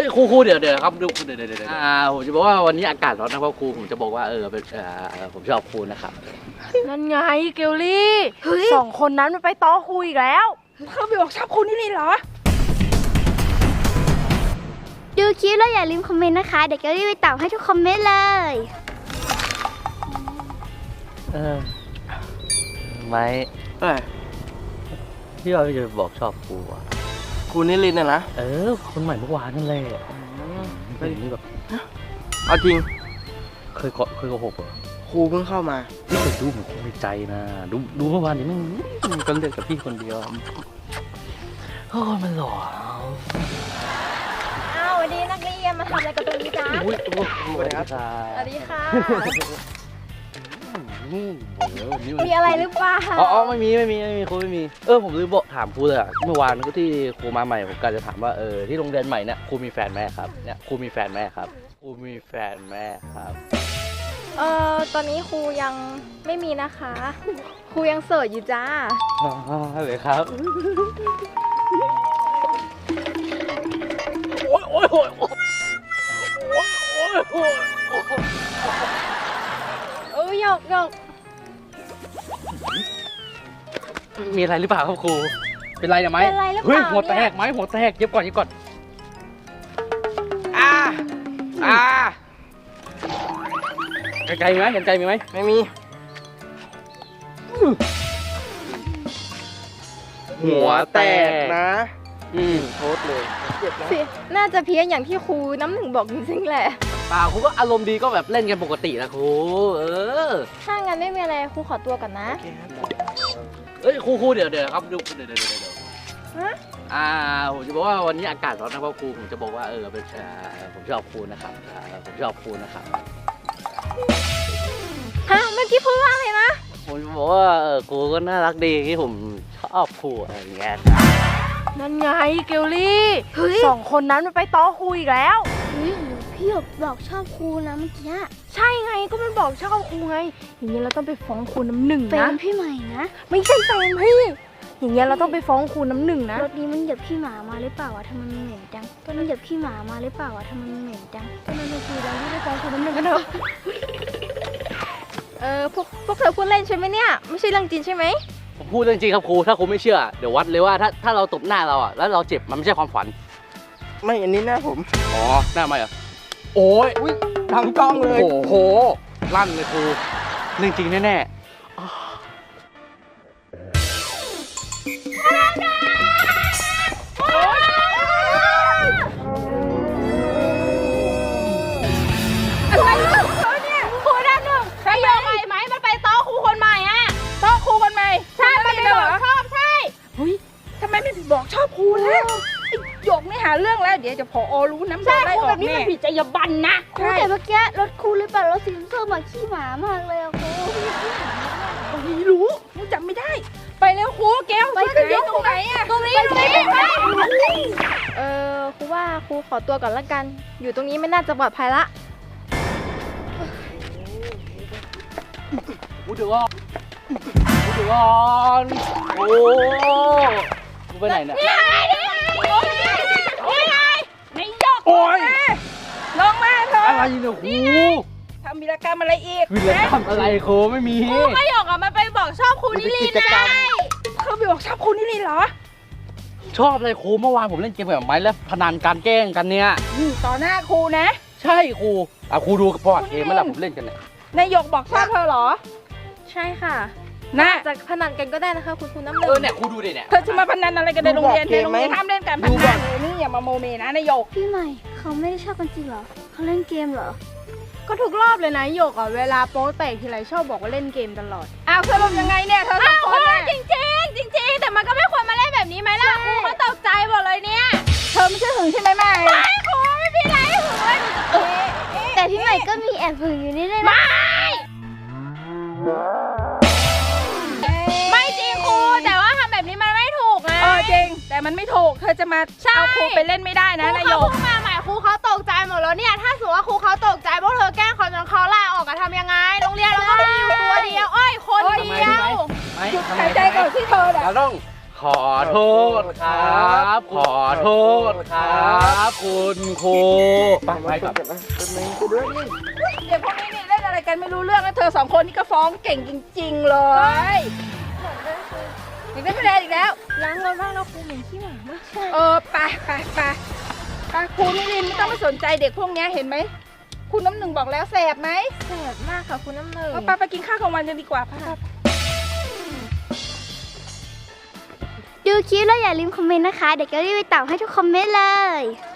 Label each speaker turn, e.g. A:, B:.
A: ครูเดี๋ยวครับดูเดี๋ยวผมจะบอกว่าวันนี้อากาศร้อนนะเพราะครูผมจะบอกว่าผมชอบครูนะครับ
B: นั่นไงเกลลี่สองคนนั้นมันไปต้อครูอีกแล้วเขาไปบอกชอบครูนี่เหรอ
C: ดูคลิปแล้วอย่าลืมคอมเมนต์นะคะเดี๋ยวเกลลี่ไปตอบให้ทุกคอมเมนต์เลย
A: ไม่พี่ว่าจะบอกชอบครูอ่ะ
D: ครูนิรินทร์นะ
A: คนใหม่เมื่อวานนั่นแหละเป็นนี่แบบ
D: เอาจริง
A: เคยโกหกเหรอ
D: ครูเพิ่งเข้ามา
A: พี่เคยดูเหมือนครูในใจนะดูเมื่อวานนี้มันก็เล่นกับพี่คนเดียวมันหล่อ
B: วันนี้นักเรียนมาทำอะไรกันตรงนี้จ๊ะ
A: สวัสดีครับ
B: สวัสดีค่ะมีอะไรหรือเปล่า
A: ไม่มีครูไม่มีผมลืมบอกถามครูเลยเมื่อวานก็ที่ครูมาใหม่ผมก็จะถามว่าที่โรงเรียนใหม่เนี่ยครูมีแฟนไหมครับเนี่ยครูมีแฟนไหมครับครูมีแฟนไหมครับ
B: ตอนนี้ครูยังไม่มีนะคะครูยังโสดอยู่จ้า
A: เลยครับ
B: หยก
A: มีอะไรหรือเปล่าครับครูเป็นไรไหมเฮ้ยหัวแตกไหมหัวแตกเย็บก่อนไกลไหมเห็นใจมีไหม
D: ไม่มีหัวแตกนะโทษเลยเจ็บนะ
B: น่าจะเพี้ยนอย่างที่ครูน้ำหนึ่งบอกจริงๆแหละ
A: เปล่าครูก็อารมณ์ดีก็แบบเล่นกันปกตินะครู
B: ถ้างั้นไม่มีอะไรครูขอตัวก่อนนะ
A: ครูเดี๋ยวครับดูเดี๋ยวผมจะบอกว่าวันนี้อากาศร้อนนะเพราะครูผมจะบอกว่าผมชอบครูนะครับผมชอบครูนะครับ
B: เมื่อกี้พูดว่าอะไรนะ
A: ผมบอกว่าครูก็น่ารักดีที่ผมชอบครูอะไรอย่างเงี้ย
B: นั่นไงเกลลี่สองคนนั้นมันไปต้อครูอีกแล้ว
C: พี่บอกชอบครูนะเมื่อกี้
B: ใช่ไงก็มันบอกชอบครูไงอย่างเงี้ยเราต้องไปฟ้องครูน้ำหนึ่งนะ
C: แฟนพี่ใหม่นะ
B: ไม่ใช่แฟนพี่อย่างเงี้ยเราต้องไปฟ้องครูน้ำหนึ่งนะ
C: รถนี้มันเหยียบขี้หมามาหรือเปล่าวะทำไมมันเหม็นจังมันเหยียบขี้หมามาหรือเปล่าวะทำไมมันเหม็นจัง
B: ก็นั่นก็คือเราที่ได้ฟ้องครูน้ำหนึ่งกันเถอะพวกเธอพูดเล่นใช่ไหมเนี่ยไม่ใช่เรื่องจริงใช่ไหม
A: ผมพูดเรื่องจริงครับครูถ้าครูไม่เชื่อเดี๋ยววัดเลยว่าถ้าเราตบหน้าเราแล้วเราเจ็บมันไม่ใช่ความฝัน
D: ไม่อันนี้หน้าผม
A: หน้าไม่เหรอ
D: โอ้ยทั้งกล้องเลย
A: โอ้โหลั่นเลยครูเรื่องจริงแน่
B: อะไรของเขาเนี่ยครูด้านหนึ่งใช่ยังไงไหมมันไปต้อครูคนใหม่อะต้อครูคนใหม่ใช่มันไปบอกชอบใช่เฮ้ยทำไมไม่บอกชอบครูนะหยกไม่หาเรื่องแล้วเดี๋ยวจะผอรู้น้ำโดนได้ออกนี่มันผิดจรรยาบรรณนะ
C: ครูแต่เมื่อกี้รถครูหรือเปล่ารถสีส้มขี้หมามากเลยครู
B: ไม่รู้จำไม่ได้ไปแล้วครูแก้วไปขึ้นยกตรงไหนอะตรงนี้ครูว่าครูขอตัวก่อนละกันอยู่ตรงนี้ไม่น่าจะปลอดภัยละ
A: เดี๋ยวก่อนโอ้ไปไหนเนี่ย
B: นี่ไงในยกโอ้ยลงมาเถอะ
A: อะไรเนี่ยครู
B: ทำวีรกรรมอะไรอีก
A: วีรกรรมอะไรครูไม่มี
B: ครูก็หยกมันไปบอกชอบครูนิรินทร์นะเขาไปบอกชอบครูนิรินทร์เหรอ
A: ชอบอะไรครูเมื่อวานผมเล่นเกมแบบไม้แล้วพนันการแกล้งกันเนี่ย
B: ต่อหน้าครูนะ
A: ใช่ครูครูดูประวัติเกมเมื่อไหร่ผมเล่นกันเนี่ย
B: นายหยกบอกชอบเธอเหรอใช่ค่ะน่าจะพนันกันก็ได้นะคะคุณน้ำหนึ่ง
A: เนี่ยครูดูดิเนี่ย
B: เธอจะมาพนันอะไรกันในโรงเรียนห้ามเล่นการพนันเลยนี่อย่ามาโมเมนะนายหยก
C: พี่ใหม่เขาไม่ได้ชอบกันจริงเหรอเขาเล่นเกมเหรอ
B: ก็ทุกรอบเลยนะหยกเวลาโป๊แตกทีไรชอบบอกว่าเล่นเกมตลอดสรุปยังไงเนี่ยเธอสองคนจริงแต่มันก็ไม่ควรมาเล่นแบบนี้ไหมล่ะครูเขาตกใจหมดเลยเนี่ยเธอไม่ใช่หึงใช่ไหมไม่ครูไม่มีอะไรหึงเลย
C: แต่พี่ใหม่ก็มีแอบหึงอยู่นี่เลยนะ
B: ไม่จริงครูแต่ว่าทำแบบนี้มันไม่ถูกนะจริงแต่มันไม่ถูกเธอจะมาเอาครูไปเล่นไม่ได้นะนายกครูมาใหม่ครูเขาตกใจหมดแล้วเนี่ยถ้าสมมติว่าครูเขาตกใจพวกเธอแกล้งเขาจนเขาลาออกทำยังไงโรงเรียนเราก็มีอยู่ตัวเดียวคนเดียวหยุดหายใจก่อนที่เธอ
A: เราต้องขอโทษครับ ขอโทษครับคุณครูไปก่อน
D: เป็นไงกูด้วยนี่
B: เด็กพวกนี้นี่เล่นอะไรกันไม่รู้เรื่องแล้วเธอสองคนนี่ก็ฟ้องเก่งจริงๆเลยอีกได้คะแนนอีกแล้ว
C: ล้างรถบ้างแล้วครูเหม็นขี้หมามาก
B: ไปครูนิรินทร์ไม่ต้องไปสนใจเด็กพวกนี้เห็นไหมคุณน้ำหนึ่งบอกแล้วแสบไหม
C: แสบมากค่ะคุณน้ำหนึ่ง
B: ไปกินข้าวกลางวันกันดีกว่าค่ะ
C: ดูคลิปแล้วอย่าลืมคอมเมนต์นะคะ เดี๋ยวจะรีบไปตอบให้ทุกคอมเมนต์เลย